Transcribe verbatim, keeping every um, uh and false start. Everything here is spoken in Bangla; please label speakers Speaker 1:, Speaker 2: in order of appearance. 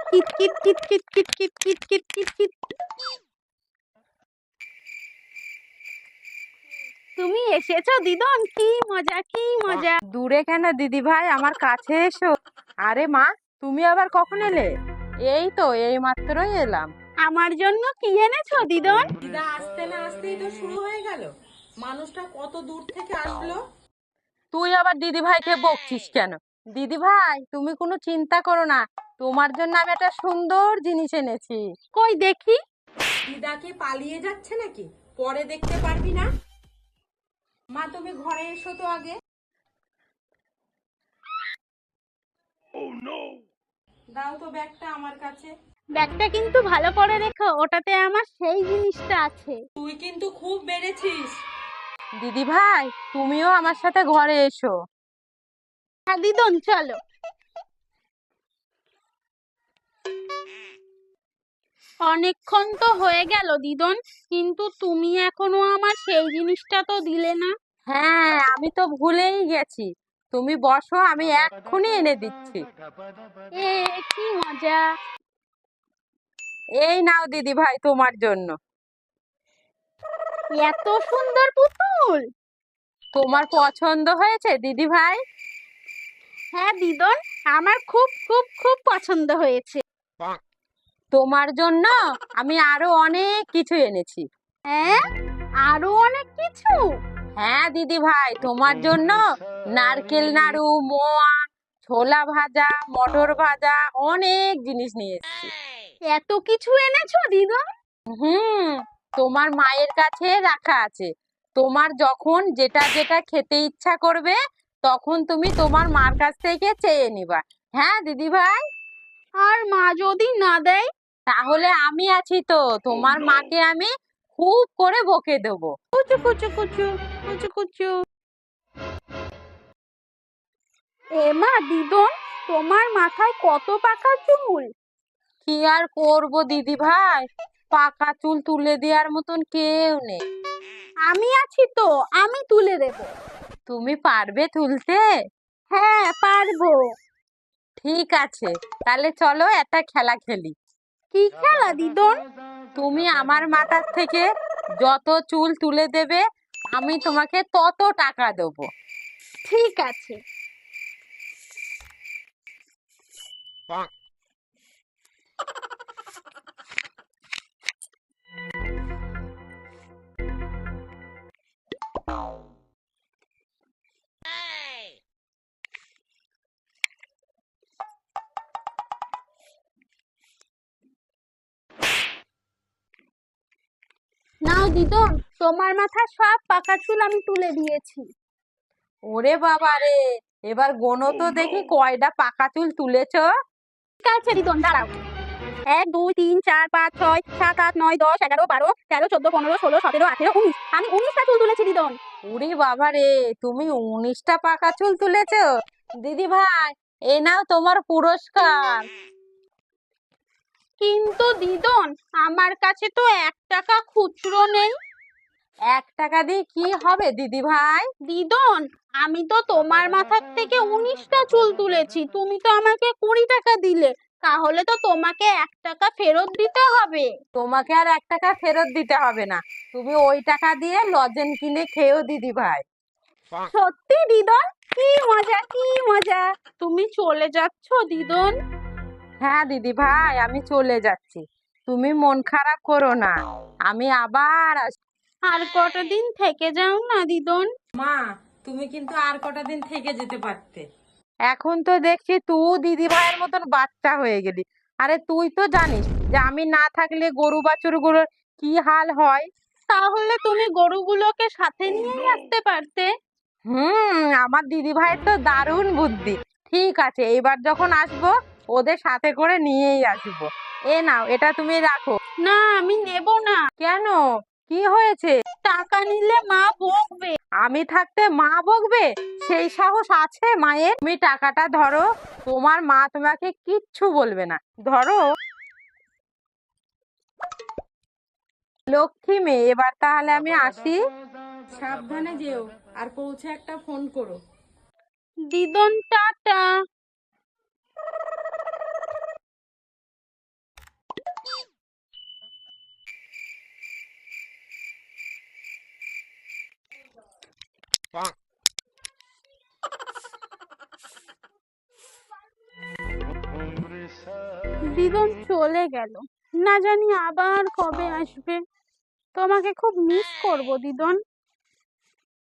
Speaker 1: কিট কিট কিট কিট কিট কিট কিট কিট কিট কিট। তুমি এসেছো দিদন, কি মজা কি মজা।
Speaker 2: দূরে কেন দিদি ভাই, আমার কাছে এসো। আরে মা, তুমি আবার কখন এলে? এই তো এই মাত্রই এলাম।
Speaker 1: আমার জন্য কি এনেছো দিদন?
Speaker 3: দিদা আসতে না আসতেই তো শুরু হয়ে গেল। মানুষটা কত দূর থেকে আসলো।
Speaker 2: তুই আবার দিদি ভাইকে বকছিস কেন? দিদি ভাই, তুমি কোনো চিন্তা করো না, তোমার জন্য আমি একটা সুন্দর জিনিস এনেছি।
Speaker 1: কই দেখি।
Speaker 3: দিদা কি পালিয়ে যাচ্ছে নাকি? পরে দেখতে পারবি না। মা তুমি ঘরে এসো তো আগে। দাও তো ব্যাগটা আমার কাছে।
Speaker 1: ব্যাগটা কিন্তু ভালো করে রেখো, ওটাতে আমার সেই জিনিসটা আছে।
Speaker 3: তুই কিন্তু খুব বেড়েছিস।
Speaker 2: দিদি ভাই, তুমিও আমার সাথে ঘরে এসো।
Speaker 1: হ্যাঁ দিদন চলো। অনেকক্ষণ তো হয়ে গেল দিদন, কিন্তু তুমি এখনো আমার সেই জিনিসটা তো দিলে না।
Speaker 2: হ্যাঁ, আমি তো ভুলেই গেছি। তুমি বসো, আমি এক্ষুনি এনে দিচ্ছি।
Speaker 1: এ কি মজা।
Speaker 2: এই নাও দিদি ভাই, তোমার জন্য।
Speaker 1: এত সুন্দর পুতুল।
Speaker 2: তোমার পছন্দ হয়েছে দিদি ভাই?
Speaker 1: হ্যাঁ দিদন, আমার খুব খুব খুব পছন্দ হয়েছে।
Speaker 2: তোমার জন্য আমি আরো অনেক কিছু এনেছি।
Speaker 1: হ্যাঁ, আরো অনেক কিছু।
Speaker 2: হ্যাঁ দিদি ভাই, তোমার জন্য নারকেল নাড়ু, মোয়া, ছোলা ভাজা, মটর ভাজা, অনেক জিনিস নিয়ে এসেছি।
Speaker 1: এত কিছু এনেছো দিদন?
Speaker 2: হুম, তোমার মায়ের কাছে রাখা আছে। তোমার যখন যেটা যেটা খেতে ইচ্ছা করবে, তখন তুমি তোমার মার কাছ থেকে চেয়ে নিবা। হ্যাঁ দিদি ভাই।
Speaker 1: আর মা যদি না দেয়?
Speaker 2: তাহলে আমি আছি তো, তোমার মাকে আমি খুব করে বকে দেবো।
Speaker 1: কুচু কুচু কুচু কুচু কুচু। এ মা দিদন, তোমার মাথায় কত পাকা চুল।
Speaker 2: কি আর করব দিদি ভাই, পাকা চুল তুলে দেওয়ার মতন কেউ নেই।
Speaker 1: আমি আছি তো, আমি তুলে দেব।
Speaker 2: তুমি পারবে তুলতে?
Speaker 1: হ্যাঁ পারবো।
Speaker 2: ঠিক আছে, তাহলে চলো একটা খেলা খেলি।
Speaker 1: কি খেলা দিদন?
Speaker 2: তুমি আমার মাথার থেকে যত চুল তুলে দেবে, আমি তোমাকে তত টাকা দেবো।
Speaker 1: ঠিক আছে। নাও দিদন, তোমার মাথার সব পাকা চুল আমি তুলে দিয়েছি।
Speaker 2: ওরে বাবা রে, এবার গোনো তো দেখি কয়টা পাকা চুল তুলেছো।
Speaker 1: ঠিক আছে দিদন, দাঁড়াও। এক দুই তিন চার পাঁচ ছয় সাত আট নয় দশ এগারো বারো তেরো চোদ্দ পনেরো ষোলো সতেরো আঠেরো উনিশ, আমি উনিশটা চুল তুলেছি দিদন।
Speaker 2: ওরে বাবা রে, তুমি উনিশটা পাকা চুল তুলেছো। দিদি ভাই, এই নাও তোমার পুরস্কার।
Speaker 1: কিন্তু দিদন, আমার কাছে তো এক টাকা খুচরো নেই।
Speaker 2: এক টাকা দিয়ে কি হবে দিদি ভাই?
Speaker 1: দিদন, আমি তো তোমার মাথার থেকে উনিশটা চুল তুলেছি, তুমি তো আমাকে কুড়ি টাকা দিলে, তাহলে তো তোমাকে এক টাকা ফেরত দিতে হবে।
Speaker 2: তোমাকে আর এক টাকা ফেরত দিতে হবে না, তুমি ওই টাকা দিয়ে লজেন কিনে খেয়েও দিদি ভাই।
Speaker 1: সত্যি দিদন, কি মজা কি মজা। তুমি চলে যাচ্ছ দিদন?
Speaker 2: হ্যাঁ দিদি ভাই, আমি চলে যাচ্ছি, তুমি মন খারাপ করো না, আমি আবার আসবো।
Speaker 1: আর কটা দিন থেকে যাও না দিদন।
Speaker 3: মা তুমি কিন্তু আর কটা দিন থেকে যেতে পারতে।
Speaker 2: এখন তো দেখছি তুই দিদি ভাইয়ের মতন বাচ্চা হয়ে গেলি। আরে তুই তো জানিস যে আমি না থাকলে গরু বাছুরগুলোর কি হাল হয়।
Speaker 1: তাহলে তুমি গরুগুলোকে সাথে নিয়েই আসতে পারতে।
Speaker 2: হুম, আমার দিদি ভাইয়ের তো দারুণ বুদ্ধি। ঠিক আছে, এইবার যখন আসবো ওদের সাথে করে নিয়েই আসবো। এ নাও, এটা তুমি রাখো।
Speaker 1: না আমি নেব না।
Speaker 2: কেন, কি হয়েছে?
Speaker 1: টাকা নিলে মা বকবে।
Speaker 2: আমি থাকতে মা বকবে? সেই সাহস আছে মায়ের? তুমি টাকাটা ধরো, তোমার মা তোমাকে কিচ্ছু বলবে না। ধরো। লক্ষ্মী মেয়ে, এবার তাহলে আমি আসি।
Speaker 3: সাবধানে যেও, আর পৌঁছে একটা ফোন করো।
Speaker 1: দিদন টাটা। দিদন চলে গেল, না জানি আবার কবে আসবে। তোমাকে খুব মিস করব দিদন।